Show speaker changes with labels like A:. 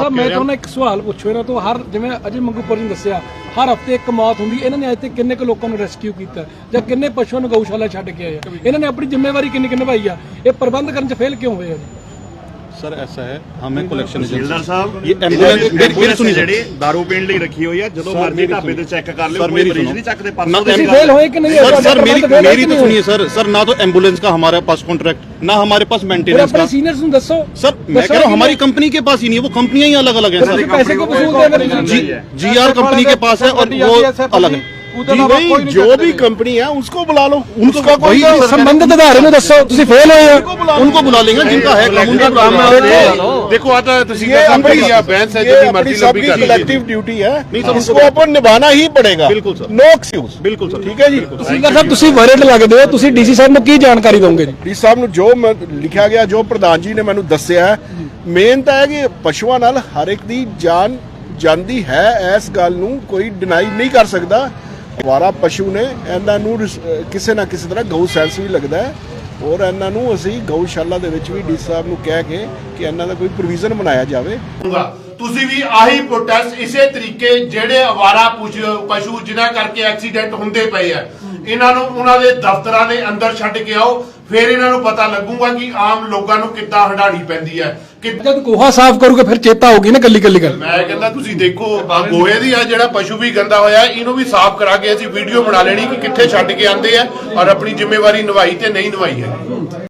A: ਸਾਹਿਬ ਮੈਂ ਤੁਹਾਨੂੰ ਇੱਕ ਸਵਾਲ ਪੁੱਛੋ ਇਹਨਾਂ ਤੋਂ ਹਰ ਜਿਵੇਂ ਅਜੇ ਮੰਗੂਪੁਰ ਜੀ ਨੇ ਦੱਸਿਆ ਹਰ ਹਫਤੇ ਇੱਕ ਮੌਤ ਹੁੰਦੀ ਇਹਨਾਂ ਨੇ ਅੱਜ ਤੱਕ ਕਿੰਨੇ ਕੁ ਲੋਕਾਂ ਨੂੰ ਰੈਸਕਿਊ ਕੀਤਾ ਜਾਂ ਕਿੰਨੇ ਪਸ਼ੂਆਂ ਨੂੰ ਗਊਸ਼ਾਲਾ ਛੱਡ ਕੇ ਆਏ ਆ ਇਹਨਾਂ ਨੇ ਆਪਣੀ ਜ਼ਿੰਮੇਵਾਰੀ ਕਿੰਨੀ ਨਿਭਾਈ ਆ ਇਹ ਪ੍ਰਬੰਧ ਕਰਨ 'ਚ ਫੇਲ ਕਿਉਂ ਹੋਏ ਆ ਜੀ
B: सर ऐसा है हमें कलेक्शन
C: ਤਹਿਸੀਲਦਾਰ ਸਾਹਿਬ
B: ये एम्बुलेंस मेरी सुनिए
C: ਜਿਹੜੀ दारू ਪੀਣ ਲਈ ਰੱਖੀ ਹੋਈ ਆ ਜਦੋਂ ਮਰਜ਼ੀ ਢਾਬੇ ਤੇ ਚੈੱਕ ਕਰ ਲਿਓ ਕੋਈ ਮਰੀਜ਼ ਨਹੀਂ ਚੱਕਦੇ
B: ना
A: ਤੁਸੀਂ ਫੇਲ ਹੋਏ कि नहीं
B: सर मेरी तो सुनिए सर ना तो एम्बुलेंस का हमारे पास कॉन्ट्रैक्ट ना हमारे पास मेंटेनेंस
A: अपने
B: का
A: सीनियर्स ਨੂੰ ਦੱਸੋ
B: सर मैं कह रहा हूँ हमारी कंपनी के पास ही नहीं है वो कंपनियां ही अलग अलग हैं सर
A: पैसे को वसूलते हैं
B: GR कंपनी के पास है और वो अलग है
C: जी भाई जो भी कंपनी है उसको बुला लो
B: उनका कोई
A: संबंधित अदारे ਨੂੰ ਦੱਸੋ ਤੁਸੀਂ ਫੇਲ ਹੋਏ ਹੋ
B: उनको बुला लेंगे जिनका है कानून का काम
D: देखो आता तुसी का कंपनी या बैंक है जितनी मर्जी लंबी कर
C: कलेक्टिव ड्यूटी है
B: नहीं सर,
C: इसको अपन निभाना ही पड़ेगा
B: बिल्कुल सर।
C: नो एक्सक्यूज
B: बिल्कुल सर
C: ठीक है जी
A: ਤਹਿਸੀਲਦਾਰ ਸਾਹਿਬ ਤੁਸੀਂ ਵਰਡ ਲੱਗਦੇ ਹੋ ਤੁਸੀਂ ਡੀਸੀ ਸਾਹਿਬ ਨੂੰ ਕੀ ਜਾਣਕਾਰੀ ਦੋਗੇ ਜੀ
C: ਡੀ ਸਾਹਿਬ ਨੂੰ ਜੋ ਲਿਖਿਆ ਗਿਆ ਜੋ ਪ੍ਰਧਾਨ ਜੀ ਨੇ ਮੈਨੂੰ ਦੱਸਿਆ ਮੇਨ ਤਾਂ ਹੈ ਕਿ ਪਸ਼ੂਆਂ ਨਾਲ ਹਰ ਇੱਕ ਦੀ ਜਾਨ ਜਾਂਦੀ ਹੈ ਇਸ ਗੱਲ ਨੂੰ ਕੋਈ ਡਿਨਾਈ ਨਹੀਂ ਕਰ ਸਕਦਾ ਅਵਾਰਾ ਪਸ਼ੂ ਨੇ ਇਹਨਾਂ ਨੂੰ ਕਿਸੇ ਨਾ ਕਿਸੇ ਤਰ੍ਹਾਂ ਗਊ ਸੈਂਸ ਵੀ ਲੱਗਦਾ ਹੈ ਔਰ ਇਹਨਾਂ ਨੂੰ ਅਸੀਂ ਗਊਸ਼ਾਲਾ ਦੇ ਵਿੱਚ ਵੀ ਡੀ ਸਾਹਿਬ ਨੂੰ ਕਹਿ ਕੇ ਕਿ ਇਹਨਾਂ ਦਾ ਕੋਈ ਪ੍ਰੋਵੀਜ਼ਨ ਬਣਾਇਆ ਜਾਵੇ
D: ਤੁਸੀਂ ਵੀ ਆਹੀ ਪ੍ਰੋਟੈਸਟ ਇਸੇ ਤਰੀਕੇ ਜਿਹੜੇ ਅਵਾਰਾ ਪਸ਼ੂ ਜਿਨ੍ਹਾਂ ਕਰਕੇ ਐਕਸੀਡੈਂਟ ਹੁੰਦੇ ਪਏ ਆ ਇਹਨਾਂ ਨੂੰ ਉਹਨਾਂ ਦੇ ਦਫ਼ਤਰਾਂ ਦੇ ਅੰਦਰ ਛੱਡ ਕੇ ਆਓ ਫਿਰ ਇਹਨਾਂ ਨੂੰ ਪਤਾ ਲੱਗੂਗਾ ਕਿ ਆਮ ਲੋਕਾਂ ਨੂੰ ਕਿੱਦਾਂ ਹੰਡਾਣੀ ਪੈਂਦੀ ਹੈ ਕਿ
A: ਜਦ ਗੋਹਾ ਸਾਫ਼ ਕਰੋਗੇ ਫਿਰ ਚੇਤਾ ਹੋਊਗੀ ਨਾ ਕੱਲੀ ਕੱਲੀ ਗੱਲ
D: ਮੈਂ ਕਹਿੰਦਾ ਤੁਸੀਂ ਦੇਖੋ ਆ ਗੋਹੇ ਦੀ ਆ ਜਿਹੜਾ ਪਸ਼ੂ ਵੀ ਗੰਦਾ ਹੋਇਆ ਇਹਨੂੰ ਵੀ ਸਾਫ਼ ਕਰਾ ਕੇ ਅਸੀਂ ਵੀਡੀਓ ਬਣਾ ਲੈਣੀ ਕਿ ਕਿੱਥੇ ਛੱਡ ਕੇ ਆਂਦੇ ਆ ਔਰ ਆਪਣੀ ਜ਼ਿੰਮੇਵਾਰੀ ਨਿਭਾਈ ਤੇ ਨਹੀਂ ਨਿਭਾਈ ਹੈ